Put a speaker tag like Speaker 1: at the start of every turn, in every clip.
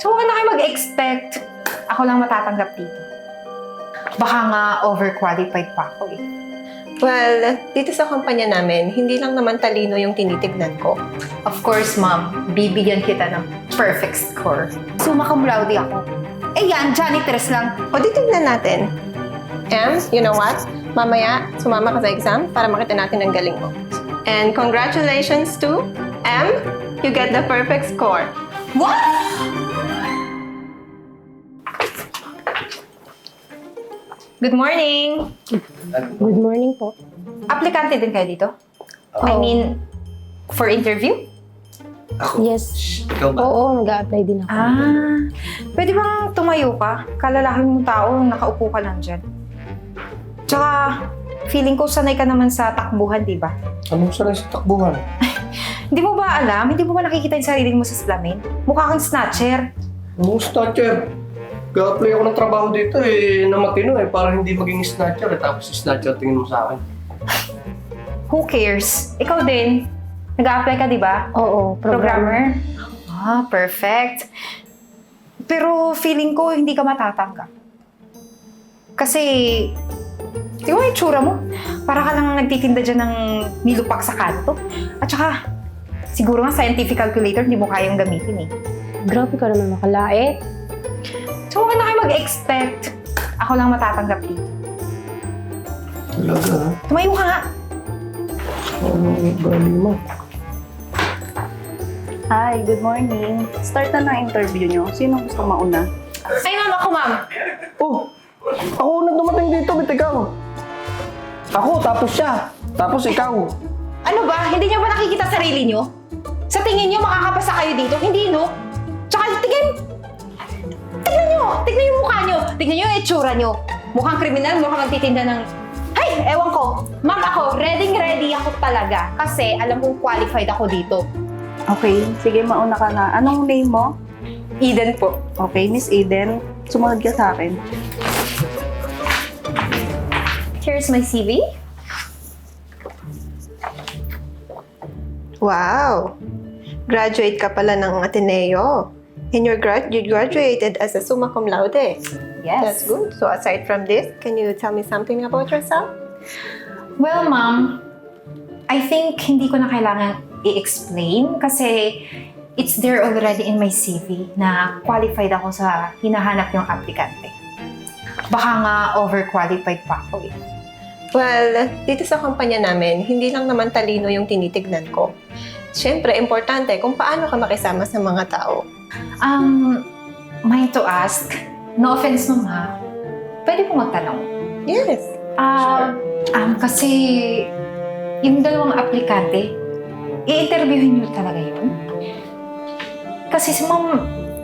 Speaker 1: So, huwag na kayo mag-expect. Ako lang matatanggap dito. Baka nga overqualified pa ako eh.
Speaker 2: Well, dito sa kumpanya namin, hindi lang naman talino yung tinitignan ko.
Speaker 1: Of course, ma'am, bibigyan kita ng perfect score. Summa cum laude ako. Eh yan, janitress lang.
Speaker 2: O di tignan natin. You know what? Mamaya, sumama ka sa exam para makita natin ang galing mo. And congratulations to M. You get the perfect score.
Speaker 1: What? Good morning!
Speaker 3: Good morning po.
Speaker 1: Aplikante din kayo dito? I
Speaker 3: Oo.
Speaker 1: mean, for interview?
Speaker 4: Ako?
Speaker 3: Yes.
Speaker 4: Ikaw ba?
Speaker 3: Oo, nag-a-apply din ako.
Speaker 1: Pwede bang tumayo ka? Kalalaking mong tao, nakaupo ka lang dyan. Tsaka, feeling ko sanay ka naman sa takbuhan, di ba?
Speaker 4: Anong sanay sa takbuhan?
Speaker 1: Hindi mo ba alam? Hindi mo ba nakikita yung sarili mo sa salamin? Mukha kang snatcher.
Speaker 4: Anong snatcher? Ga-apply ako ng trabaho dito na matino para hindi maging snatcher tapos snatcher tingin mo sa akin.
Speaker 1: Who cares? Ikaw din. Nag-a-apply ka, di ba?
Speaker 3: Oo,
Speaker 1: Programmer? Perfect. Pero feeling ko hindi ka matatanggap. Kasi, tingnan mo yung tsura mo. Para ka lang nagtitinda dyan ng nilupak sa kanto. At saka, siguro nga scientific calculator hindi mo kayang gamitin eh.
Speaker 3: Grabe ka naman makalait.
Speaker 1: So, huwag na kayo mag-expect. Ako lang matatanggap dito.
Speaker 4: Talaga ha?
Speaker 1: Tumayo ka nga.
Speaker 4: Anong gali mo?
Speaker 5: Hi, good morning. Start na ng interview nyo. Sino gusto mauna?
Speaker 1: Ay, ma'am, ako, ma'am.
Speaker 4: Oh! Ako na dumating dito, bit ikaw. Ako, tapos siya. Tapos ikaw.
Speaker 1: Ano ba? Hindi niyo ba nakikita sarili niyo? Sa tingin niyo makakapasa kayo dito? Hindi, no? Tsaka, tignan niyo! Tignan yung mukha niyo! Tignan niyo yung itsura niyo! Mukhang kriminal, mukhang magtitinda ng... Ay! Ewan ko! Ma'am, ako, ready ako talaga. Kasi alam kong qualified ako dito.
Speaker 5: Okay, sige, mauna ka na. Anong name mo?
Speaker 1: Eden po.
Speaker 5: Okay, Miss Eden, sumunod ka sa akin.
Speaker 1: Here's my CV.
Speaker 2: Wow! Graduate ka pala ng Ateneo. And you graduated as a summa cum laude.
Speaker 1: Yes.
Speaker 2: That's good. So aside from this, can you tell me something about yourself?
Speaker 1: Well, ma'am, I think hindi ko na kailangan i-explain kasi it's there already in my CV na qualified ako sa hinahanap yung aplikante. Baka nga overqualified pa ako eh.
Speaker 2: Well, dito sa kumpanya namin, hindi lang naman talino yung tinitignan ko. Siyempre, importante kung paano ka makisama sa mga tao.
Speaker 1: May to ask, no offense ma'am ha, pwede po magtanong?
Speaker 2: Yes.
Speaker 1: Kasi yung dalawang aplikante, i-interviewin niyo talaga yun? Kasi si ma'am,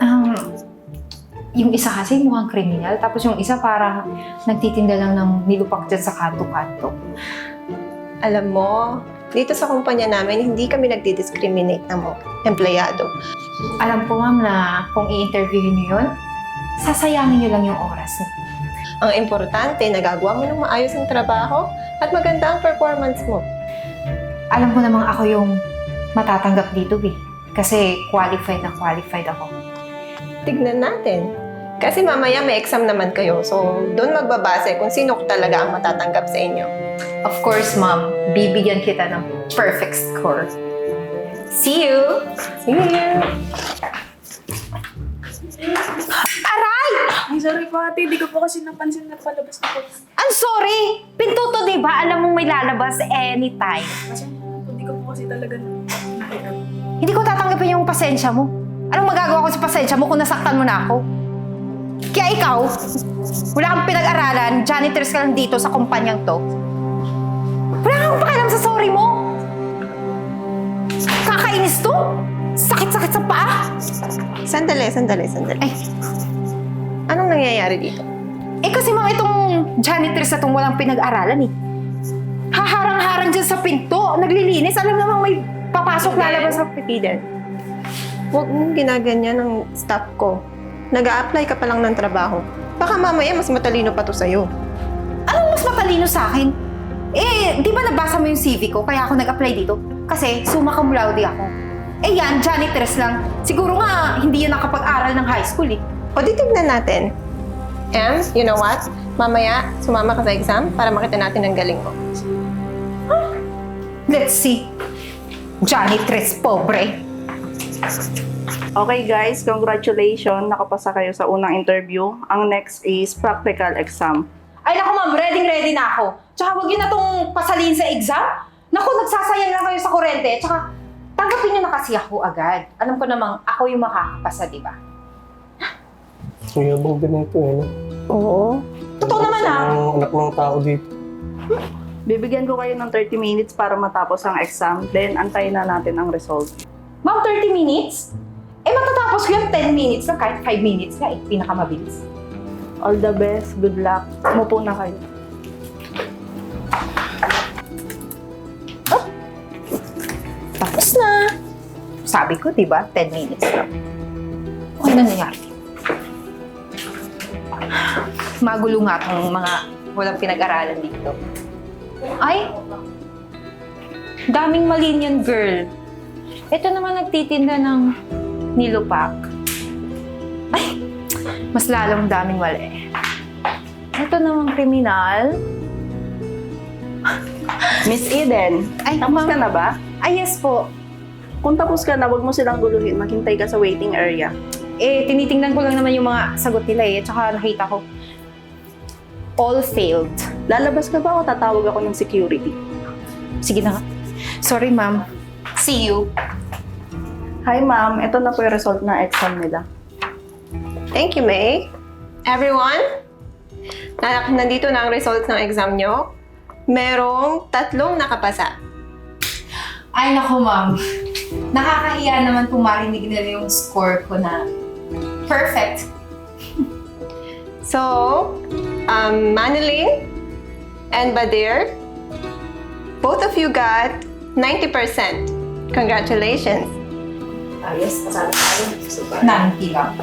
Speaker 1: yung isa kasi mukhang kriminal, tapos yung isa parang nagtitinda lang ng nilupak dyan sa kanto-kanto.
Speaker 2: Alam mo, dito sa kumpanya namin, hindi kami nagdi-discriminate ng mga empleyado.
Speaker 1: Alam ko ma'am na kung i-interviewin niyo yun, sasayangin niyo lang yung oras niyo.
Speaker 2: Ang importante, nagagawa mo ng maayos ang trabaho at maganda ang performance mo.
Speaker 1: Alam ko namang ako yung matatanggap dito eh. Kasi qualified na qualified ako.
Speaker 2: Tignan natin. Kasi mamaya may exam naman kayo, so doon magbabase kung sino talaga ang matatanggap sa inyo.
Speaker 1: Of course, ma'am, bibigyan kita ng perfect score. See you!
Speaker 2: See you!
Speaker 1: Aray!
Speaker 5: Ay, sorry po ate. Di ko po kasi napansin na palabas na po.
Speaker 1: I'm sorry! Pinto to, di ba? Alam mong may lalabas anytime.
Speaker 5: Kasi hindi ko po kasi talaga nakita.
Speaker 1: Hindi ko tatanggapin yung pasensya mo. Anong magagawa ko sa pasensya mo kung nasaktan mo na ako? Kaya ikaw, wala kang pinag-aralan, janitors ka lang dito sa kumpanyang to. Wala kang pakialam sa sorry mo. Kakainis to. Sakit-sakit sa paa.
Speaker 2: Sandali.
Speaker 1: Ay,
Speaker 2: Anong nangyayari dito?
Speaker 1: kasi mga itong janitors na itong walang pinag-aralan eh. Haharang-harang dyan sa pinto, naglilinis, alam namang may papasok lalabas sa Eden.
Speaker 2: Huwag mong ginaganyan ng staff ko. Nag-a-apply ka pa lang ng trabaho. Baka mamaya mas matalino pa to sa'yo.
Speaker 1: Anong mas matalino sa akin? Eh, di ba nabasa mo yung CV ko kaya ako nag-apply dito? Kasi summa cum laude ako. Eh yan, janitress lang. Siguro nga, hindi yun nakapag-aral ng high school eh.
Speaker 2: O di tignan natin. And, you know what? Mamaya, sumama ka sa exam para makita natin ang galing mo.
Speaker 1: Let's see. Janitress, pobre.
Speaker 5: Okay guys, congratulations. Nakapasa kayo sa unang interview. Ang next is practical exam.
Speaker 1: Ay naku ma'am, ready na ako. Tsaka huwag yun na tong pasalin sa exam. Naku, nagsasayang lang kayo sa kurente. Tsaka tanggapin nyo na kasi ako agad. Alam ko namang ako yung makakapasa, di ba?
Speaker 4: Ang yabang din ito eh. No?
Speaker 3: Oo.
Speaker 1: Totoo naman ah.
Speaker 4: Ang anak ng tao dito.
Speaker 5: Bibigyan ko kayo ng 30 minutes para matapos ang exam. Then, antayin na natin ang result.
Speaker 1: Ma'am, 30 minutes? Eh matatapos ko yung 10 minutes lang, kahit 5 minutes nga eh. Pinakamabilis.
Speaker 5: All the best. Good luck. Umupo na kayo.
Speaker 1: Tapos na. Sabi ko, di ba? 10 minutes lang. Ano nangyari? Magulo nga itong mga walang pinag-aralan dito. Ay! Daming mali niyan, girl. Ito naman nagtitinda ng nilupak. Ay! Mas lalong daming mali. Ito namang kriminal.
Speaker 5: Miss Eden,
Speaker 1: Ay,
Speaker 5: tapos ka
Speaker 1: ma'am.
Speaker 5: na ba?
Speaker 1: Ay, yes po.
Speaker 5: Kung tapos ka na, huwag mo silang guluhin. Maghintay ka sa waiting area.
Speaker 1: Eh, tinitingnan ko lang naman yung mga sagot nila eh. Tsaka nakita ko, all failed.
Speaker 5: Lalabas ka ba o tatawag ako ng security?
Speaker 1: Sige na nga. Sorry, ma'am. See you.
Speaker 5: Hi ma'am, ito na po yung result ng exam nila.
Speaker 2: Thank you, May. Everyone, nandito na ang results ng exam nyo. Merong 3 nakapasa.
Speaker 1: Ay, naku, ma'am. Nakakahiya naman kung marinig nila yung score ko na perfect.
Speaker 2: So, Manilyn and Badir, both of you got 90%. Congratulations.
Speaker 1: Ayos, pasala tayo. Nanti lang.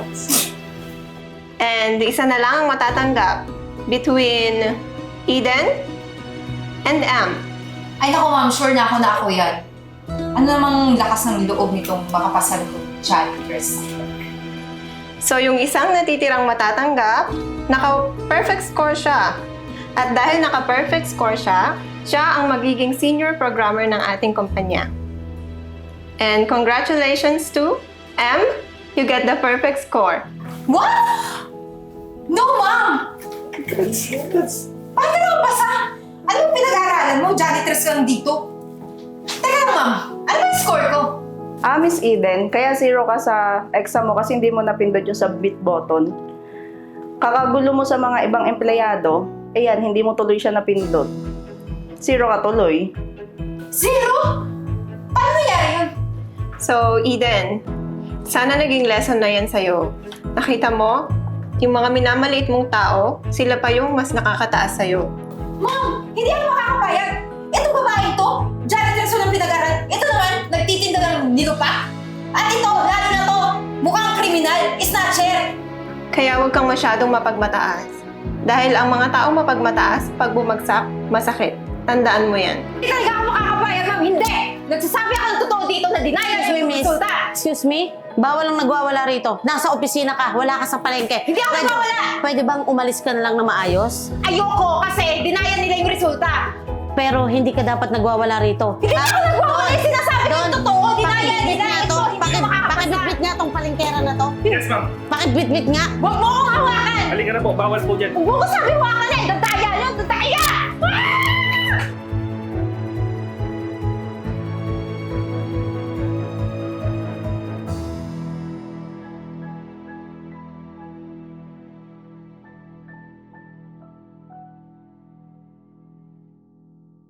Speaker 2: And isa na lang ang matatanggap between Eden and Am.
Speaker 1: Ay, naku, ma'am. Sure na ako yan. Ano namang lakas ng loob nitong makapasal ko janitress?
Speaker 2: So, yung isang natitirang matatanggap, naka-perfect score siya. At dahil naka-perfect score siya, siya ang magiging senior programmer ng ating kumpanya. And congratulations to M. You get the perfect score.
Speaker 1: What? No, ma'am! Paano ka nakapasa? Anong pinag-aaralan mo? Janitress ka lang dito. Teka lang, ma'am. Ano ba yung score ko?
Speaker 5: Miss Eden, kaya 0 ka sa exam mo kasi hindi mo napindot yung submit button. Kakagulo mo sa mga ibang empleyado, ayan, hindi mo tuloy siya napindot. 0 ka tuloy.
Speaker 1: 0? Paano nangyari yun?
Speaker 2: So, Eden, sana naging lesson na yan sa'yo. Nakita mo, yung mga minamaliit mong tao, sila pa yung mas nakakataas sa'yo.
Speaker 1: Ma'am, hindi ako makakapayag. Itong babae ito, janitress walang pinag-aral. Ito naman, nagtitinda ng nilupak. At ito, lalo na to, mukhang kriminal, snatcher.
Speaker 2: Kaya huwag kang masyadong mapagmataas. Dahil ang mga taong mapagmataas, pag bumagsak, masakit. Tandaan mo yan.
Speaker 1: Hindi talaga ako makakapayag, ma'am. Hindi! Nagsasabi ako ng totoo dito na denial
Speaker 6: Excuse me,
Speaker 1: yung
Speaker 6: miss.
Speaker 1: resulta.
Speaker 6: Excuse me? Bawal ang nagwawala rito. Nasa opisina ka, wala ka sa palengke.
Speaker 1: Hindi ako nagwawala!
Speaker 6: Pwede bang umalis ka na lang na maayos?
Speaker 1: Ayoko kasi denial nila yung resulta.
Speaker 6: Pero hindi ka dapat nagwawala rito.
Speaker 1: Hindi ako nagwawala yung sinasabi ko yung totoo. Denial nila. Ito, hindi ako makakapasa.
Speaker 6: Pakibitbit nga tong palengkera na to.
Speaker 7: Yes, ma'am.
Speaker 6: Pakibitbit nga.
Speaker 1: Huwag mo akong hawakan!
Speaker 7: Halika na po, bawal po dyan.
Speaker 1: Huwag mo ko sabi hawakan eh. The